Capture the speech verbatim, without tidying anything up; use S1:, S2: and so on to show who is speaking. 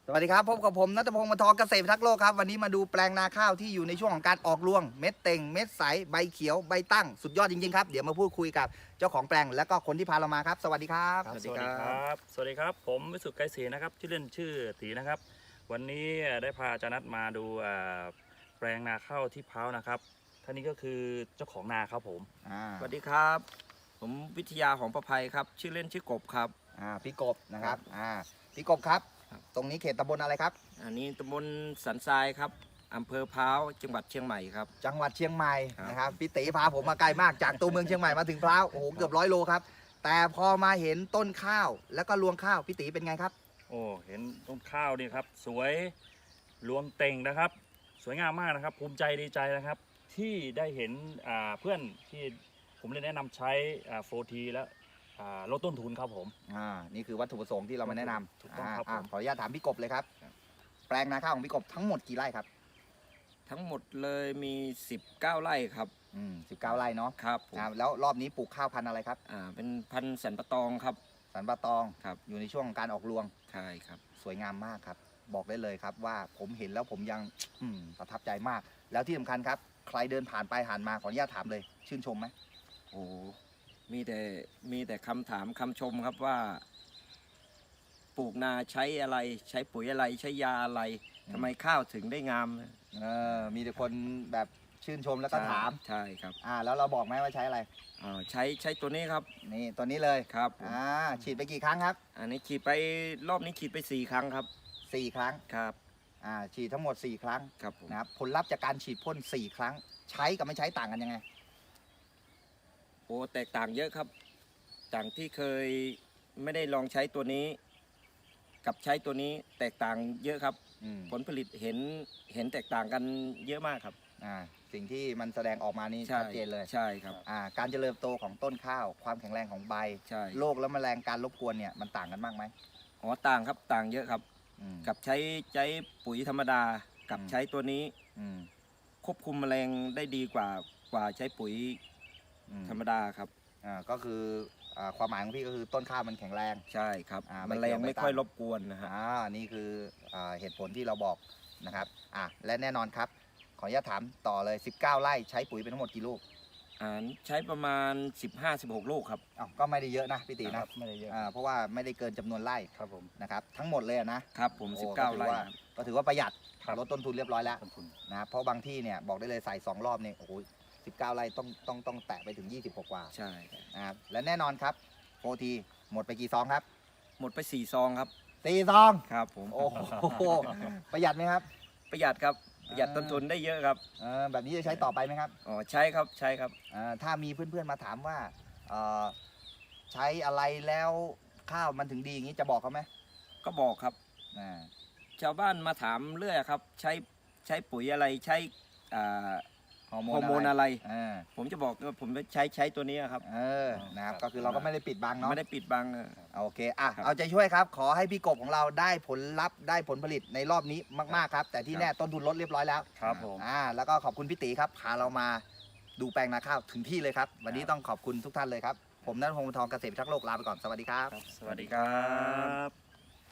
S1: สวัสดีครับพบกับผมณัฐพงศ์ มนทองเกษตรพิทักษ์โลกครับวันนี้มาดูแปลงนาข้าวที่อยู่ในช่วงของการออกรวงเม็ดเต่งเม็ดใสใบเขียวใบตั้งสุดยอดจริงๆครับเดี๋ยวมาพูดคุยกับเจ้าของแปลงและก็คนที่พาเรามาครับสวัสดีครับ
S2: สวัสดีครับ สวัสดีครับ ผมวิสุทธิ์ไกรศรีนะครับชื่อเล่นชื่อตีนะครับ วันนี้ได้พาอาจารย์นัทมาดูแปลงนาข้าวที่พร้าวนะครับท่านนี้ก็คือเจ้าของนาครับผม
S3: สวัสดีครับผมวิทยาของประภัยครับชื่อเล่นชื่อกบครับ
S1: อ่าพี่กบนะครับอ่าพี่กบครับตรงนี้เขตตำบลอะไรครับ
S3: อันนี้ตำบลสันทรายครับอำเภอพร้าวจังหวัดเชียงใหม่ครับ
S1: จังหวัดเชียงใหม่
S3: ครับ
S1: นะครับพี่ตีพาผมมาไกลมากจากตัวเมืองเชียงใหม่มาถึงพร้าวโอ้โหเกือบร้อยโลครับแต่พอมาเห็นต้นข้าวแล้วก็รวงข้าวพี่ตีเป็นไงครับ
S2: โอ้เห็นต้นข้าวนี่ครับสวยรวงเต่งนะครับ สวยงามมากนะครับ ภูมิใจดีใจนะครับ ที่ได้เห็นเพื่อนที่ผมได้แนะนำใช้โฟทีแล้วลดต้นทุนครับผม
S1: อ่านี่คือวัตถุประสงค์ที่เรามาแนะนำ
S2: ถูกต้องครับผม
S1: ขออนุญาตถามพี่กบเลยครับแปลงนาข้าวของพี่กบทั้งหมดกี่ไร่ครับ
S3: ทั้งหมดเลยมีสิบเก้าไร่ครับ
S1: อืมสิบเก้าไร่เนาะ
S3: ครับผม
S1: แล้วรอบนี้ปลูกข้าวพันธุ์อะไรครับ
S3: อ่าเป็นพันธุ์สันปะตองครับ
S1: สันปะตอง
S3: ครับ
S1: อยู่ในช่วงของการออกรวง
S3: ใช่ครับ
S1: สวยงามมากครับบอกได้เลยครับว่าผมเห็นแล้วผมยังอืมประทับใจมาก แล้วที่สำคัญครับใครเดินผ่านไปผ่านมาขออนุญาตถามเลยชื่นชมไหม
S3: โอ้มีแต่มีแต่คำถามคำชมครับว่า ปลูกนาใช้อะไรใช้ปุ๋ยอะไรใช้ยาอะไรทำไมข้าวถึงได้งาม
S1: เออมีแต่คนแบบชื่นชมแล้วก็ถาม
S3: ใช่ครับ
S1: อ่าแล้วเราบอกไหมว่าใช้อะไร
S3: อ่าใช้ใช้ตัวนี้ครับ
S1: นี่ตัวนี้เลย
S3: ครับ
S1: อ่าฉีดไปกี่ครั้งครับ
S3: อันนี้ฉีดไปรอบนี้ฉีดไปสี่ครั้งครับ
S1: สี่ครั้ง
S3: ครับ
S1: อ่าฉีดทั้งหมดสี่ครั้ง
S3: ครับผม
S1: นะครับผลลัพธ์จากการฉีดพ่นสี่ครั้งใช้กับไม่ใช้ต่างกันยังไง
S3: โอ้แตกต่างเยอะครับต่างที่เคยไม่ได้ลองใช้ตัวนี้ กับใช้ตัวนี้แตกต่างเยอะครับผลผลิตเห็นเห็นแตกต่างกันเยอะมากครับ
S1: อ่าสิ่งที่มันแสดงออกมานี่ชัดเจนเลย
S3: ใช่ครับ
S1: อ่าการเจริญโตของต้นข้าวความแข็งแรงของใบ
S3: ใช่
S1: โรคและแมลงการรบกวนเนี่ยมันต่างกันมากไหม
S3: อ๋อต่างครับต่างเยอะครับกับใช้ใช้ปุ๋ยธรรมดากับใช้ตัวนี้ควบคุมแมลงได้ดีกว่ากว่าใช้ปุ๋ยธรรมดาครับ
S1: อ่าก็คือความหมายของพี่ก็คือต้นข้าวมันแข็งแรง
S3: ใช่ครับแมลงไม่ค่อยรบกวนนะฮะ
S1: อ่านี่คือเหตุผลที่เราบอกนะครับอ่าและแน่นอนครับขออนุญาตถามต่อเลยสิบเก้าไร่ใช้ปุ๋ยเป็นทั้งหมดกี่ลูก
S3: อ่าใช้ประมาณสิบห้า สิบหกลูกครับ
S1: อ้าวก็ไม่ได้เยอะนะพี่ตีนะ
S2: ไม่ได้เยอะ
S1: อ่าเพราะว่าไม่ได้เกินจำนวนไร่
S2: ครับผม
S1: นะครับทั้งหมดเลยนะครับ
S3: ผมสิบเก้าไร่
S1: ก็ถือว่าประหยัดลดต้นทุนเรียบร้อยแล้วนะครับเพราะบางที่เนี่ยบอกได้เลยใส่สองรอบเนี่ยโอ้โหสิบเก้าไร่ต้องต้องต้องแตะไปถึงยี่สิบกว่า
S3: ใช่
S1: นะครับและแน่นอนครับโฟทีหมดไปกี่ซองครับ
S3: หมดไปสี่ซองครับ
S1: สี่ซอง
S3: ครับผม
S1: โอ้โหประหยัดไหมครับ
S3: ประหยัดครับประหยัดต้นทุนได้เยอะครับ
S1: เออแบบนี้จะใช้ต่อไปไหมครับ
S3: อ๋อใช้ครับใช้ครับ
S1: อ่าถ้ามีเพื่อนๆมาถามว่าเออใช้อะไรแล้วข้าวมันถึงดีอย่างนี้จะบอกเขาไหม
S3: ก็บอกครับ
S1: อ่า
S3: ชาวบ้านมาถามเรื่อยครับใช้ใช้ปุ๋ยอะไรใช้อ่าฮอร์โมนอะไรผมจะบอกว่าผมใช้ใช้ตัวนี้ครับ
S1: เออนะครับก็คือเราก็ไม่ได้ปิดบังเนาะ
S3: ไม่ได้ปิดบัง
S1: โอเคอ่ะเอาใจช่วยครับขอให้พี่กบของเราได้ผลลัพธ์ได้ผลผลิตในรอบนี้มากๆครับแต่ที่แน่ต้นทุนลดเรียบร้อยแล้ว
S2: ครับผม
S1: อ่าแล้วก็ขอบคุณพี่ตีครับพาเรามาดูแปลงนาข้าวถึงที่เลยครับวันนี้ต้องขอบคุณทุกท่านเลยครับผมณัฐพงศ์ มนทองเกษตรพิทักษ์โลกลาไปก่อนสวัสดีครับ
S3: สวัสดีครับ